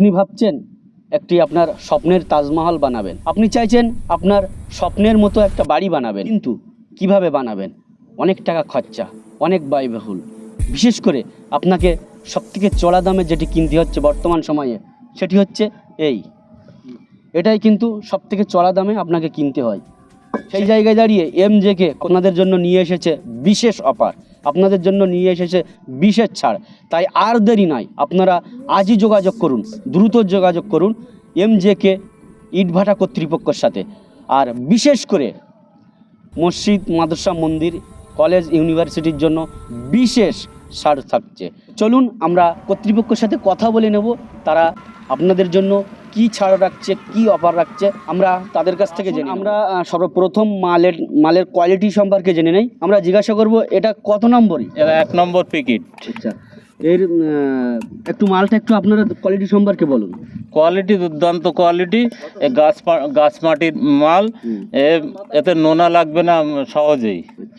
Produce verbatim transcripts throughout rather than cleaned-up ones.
আপনি ভাবছেন একটি আপনার স্বপ্নের তাজমহল বানাবেন, আপনি চাইছেন আপনার স্বপ্নের মতো একটা বাড়ি বানাবেন, কিন্তু কিভাবে বানাবেন? অনেক টাকা খরচা, অনেক ব্যয়বহুল। বিশেষ করে আপনাকে সবথেকে চড়া দামে যেটি কিনতে হচ্ছে বর্তমান সময়ে, সেটি হচ্ছে এই এটাই কিন্তু সবথেকে চড়া দামে আপনাকে কিনতে হয়। সেই জায়গায় দাঁড়িয়ে এমজেকে আপনাদের জন্য নিয়ে এসেছে বিশেষ অফার, আপনাদের জন্য নিয়ে এসেছে বিশেষ ছাড়। তাই আর দেরি নয়, আপনারা আজই যোগাযোগ করুন, দ্রুত যোগাযোগ করুন এমজেকে ইটভাটা কর্তৃপক্ষের সাথে। আর বিশেষ করে মসজিদ, মাদ্রাসা, মন্দির, কলেজ, ইউনিভার্সিটির জন্য বিশেষ ছাড় থাকছে। চলুন আমরা কর্তৃপক্ষের সাথে কথা বলে নেব, তারা আপনাদের জন্য কি ছাড় রাখছে, কি অফার রাখছে, আমরা তাদের কাছ থেকে জেনে। আমরা সর্বপ্রথম মালের মালের কোয়ালিটি সম্পর্কে জেনে নেই। আমরা জিজ্ঞাসা করব এটা কত নম্বরই? এটা এক নম্বর প্যাকেট। আচ্ছা, এর একটু মালটা একটু আপনারা কোয়ালিটি সম্পর্কে বলুন। কোয়ালিটি দুর্দান্ত কোয়ালিটি, এ গাছ গাছ মাটির মাল, এ এতে নোনা লাগবে না সহজেই।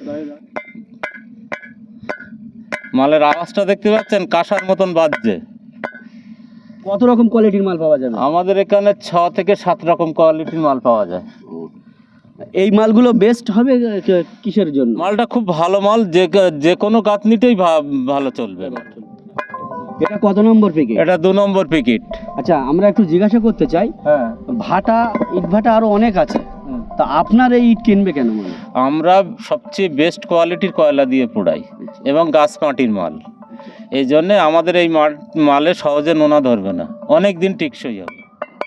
মালের আওয়াজটা দেখতে পাচ্ছেন, কাঁসার মতন বাজছে। কত রকম কোয়ালিটির মাল পাওয়া যাবে? আমাদের এখানে ছ থেকে সাত রকম কোয়ালিটির মাল পাওয়া যায়। এই মালগুলো বেস্ট হবে কিসের জন্য? মালটা খুব ভালো মাল, যে যে কোনো গাঁথনিতেই ভালো চলবে। এটা কত নম্বর প্যাকেট? এটা দু নম্বর প্যাকেট। আচ্ছা, আমরা একটু জিজ্ঞাসা করতে চাই, হ্যাঁ, ভাটা ইট ভাটা আরো অনেক আছে, তা আপনার এই ইট কিনবে কেন? মানে আমরা সবচেয়ে বেস্ট কোয়ালিটির কয়লা দিয়ে পোড়াই এবং গাছ মাটির মাল, এই জন্যে আমাদের এই মালে সহজে নোনা ধরবে না, অনেক দিন টিকসই হবে।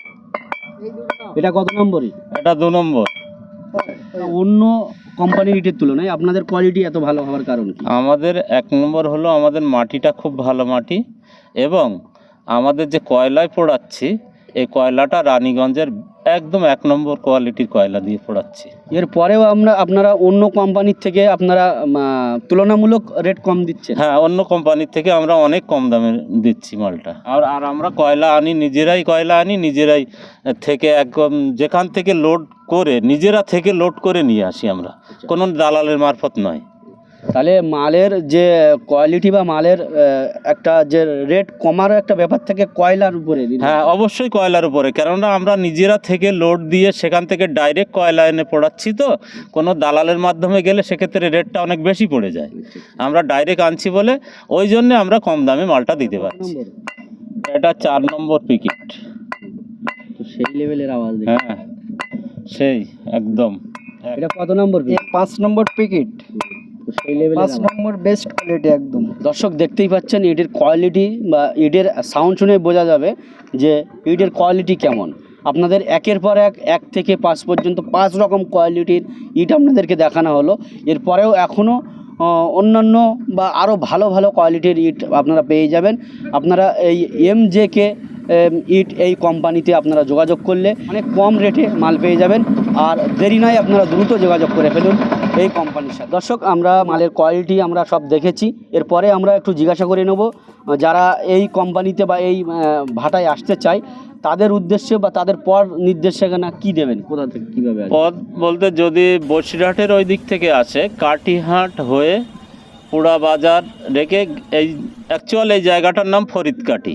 এটা কত নম্বরই? এটা দু নম্বর। অন্য কোম্পানির ইটের তুলনায় আপনাদের কোয়ালিটি এত ভালো হওয়ার কারণ কি? আমাদের এক নম্বর হলো আমাদের মাটিটা খুব ভালো মাটি, এবং আমাদের যে কয়লায় পোড়াচ্ছি এই কয়লাটা রানীগঞ্জের একদম এক নম্বর কোয়ালিটির কয়লা দিয়ে পোড়াচ্ছি। এরপরেও আমরা আপনারা অন্য কোম্পানির থেকে আপনারা তুলনামূলক রেট কম দিচ্ছেন? হ্যাঁ, অন্য কোম্পানির থেকে আমরা অনেক কম দামে দিচ্ছি মালটা। আর আর আমরা কয়লা আনি, নিজেরাই কয়লা আনি, নিজেরাই থেকে একদম যেখান থেকে লোড করে নিজেরা থেকে লোড করে নিয়ে আসি আমরা, কোনো দালালের মারফত নয়। তাহলে মালের যে কোয়ালিটি বা মালের একটা যে রেট কমার একটা ব্যাপার থেকে কয়লার উপরে? হ্যাঁ, অবশ্যই কয়লার উপরে, কেননা আমরা নিজেরা থেকে লোড দিয়ে সেখান থেকে ডাইরেক্ট কয়লা এনে পোড়াচ্ছি, তো কোনো দালালের মাধ্যমে গেলে সেক্ষেত্রে রেটটা অনেক বেশি পড়ে যায়। আমরা ডাইরেক্ট আনছি বলে ওই জন্য আমরা কম দামে মালটা দিতে পারছি। এটা চার নম্বর প্যাকেট। তো সেই লেভেলের আওয়াজ। হ্যাঁ, সেই একদম। এটা কত নম্বর? পাঁচ নম্বর প্যাকেট। সেই লেভেলের পাঁচ নম্বর বেস্ট কোয়ালিটি একদম। দর্শক দেখতেই পাচ্ছেন ইটের কোয়ালিটি বা ইটের সাউন্ড শুনে বোঝা যাবে যে ইটের কোয়ালিটি কেমন। আপনাদের একের পর এক এক থেকে পাঁচ পর্যন্ত পাঁচ রকম কোয়ালিটির ইট আপনাদেরকে দেখানো হলো। এরপরেও এখনও অন্যান্য বা আরও ভালো ভালো কোয়ালিটির ইট আপনারা পেয়ে যাবেন। আপনারা এই এমজেকে ইট এই কোম্পানিতে আপনারা যোগাযোগ করলে অনেক কম রেটে মাল পেয়ে যাবেন। আর দেরি নয়, আপনারা দ্রুত যোগাযোগ করে ফেলুন এই কোম্পানির সাথে। দর্শক, আমরা মালের কোয়ালিটি আমরা সব দেখেছি। এরপরে আমরা একটু জিজ্ঞাসা করে নেব যারা এই কোম্পানিতে বা এই ভাটায় আসতে চায় তাদের উদ্দেশ্যে বা তাদের পর নির্দেশনা কি দেবেন, কোথা থেকে কীভাবে? পথ বলতে যদি বসিরহাটের ওই দিক থেকে আসে, কাটিহাট হয়ে পুরা বাজার রেখে, এই অ্যাকচুয়াল এই জায়গাটার নাম ফরিদকাটি।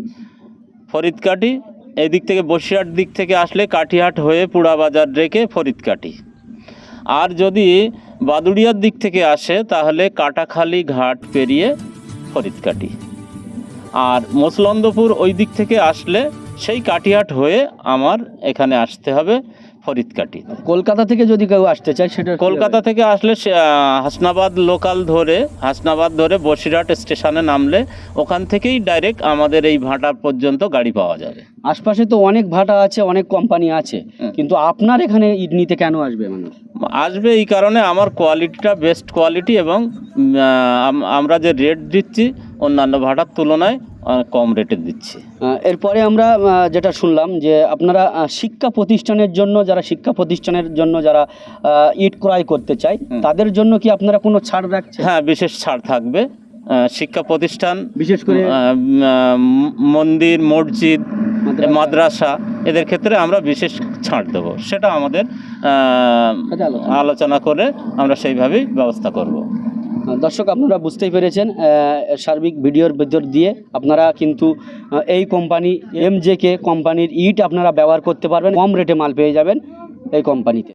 ফরিদকাটি এই দিক থেকে বসিরহাট দিক থেকে আসলে কাটিহাট হয়ে পুরা বাজার রেখে ফরিদকাটি। আর যদি বাদুড়িয়ার দিক থেকে আসে তাহলে কাটাখালী ঘাট পেরিয়ে ফরিদকাটি। আর মসলন্দপুর ওই দিক থেকে আসলে সেই কাটিহাট হয়ে আমার এখানে আসতে হবে ফরিদকাটি। কলকাতা থেকে যদি কেউ আসতে চায় সেটা? কলকাতা থেকে আসলে হাসনাবাদ লোকাল ধরে হাসনাবাদ ধরে বসিরহাট স্টেশনে নামলে ওখান থেকেই ডাইরেক্ট আমাদের এই ভাটা পর্যন্ত গাড়ি পাওয়া যাবে। আশপাশে তো অনেক ভাটা আছে, অনেক কোম্পানি আছে, কিন্তু আপনার এখানে ইট নিতে কেন আসবে মানুষ? আসবে এই কারণে আমার কোয়ালিটিটা বেস্ট কোয়ালিটি, এবং আমরা যে রেট দিচ্ছি অন্যান্য ভাটার তুলনায় কম রেটে দিচ্ছি। এরপরে আমরা যেটা শুনলাম যে আপনারা শিক্ষা প্রতিষ্ঠানের জন্য, যারা শিক্ষা প্রতিষ্ঠানের জন্য যারা ইট ক্রয় করতে চায় তাদের জন্য কি আপনারা কোনো ছাড় রাখছেন? হ্যাঁ, বিশেষ ছাড় থাকবে। শিক্ষা প্রতিষ্ঠান, বিশেষ করে মন্দির, মসজিদ, মাদ্রাসা, এদের ক্ষেত্রে আমরা বিশেষ ছাড় দেবো। সেটা আমাদের আলোচনা করে আমরা সেইভাবেই ব্যবস্থা করব। দর্শক আপনারা বুঝতেই পেরেছেন আহ, সার্বিক ভিডিওর ভিতর দিয়ে আপনারা কিন্তু আহ, এই কোম্পানি এমজেকে কোম্পানির ইট আপনারা ব্যবহার করতে পারবেন, কম রেটে মাল পেয়ে যাবেন এই কোম্পানিতে।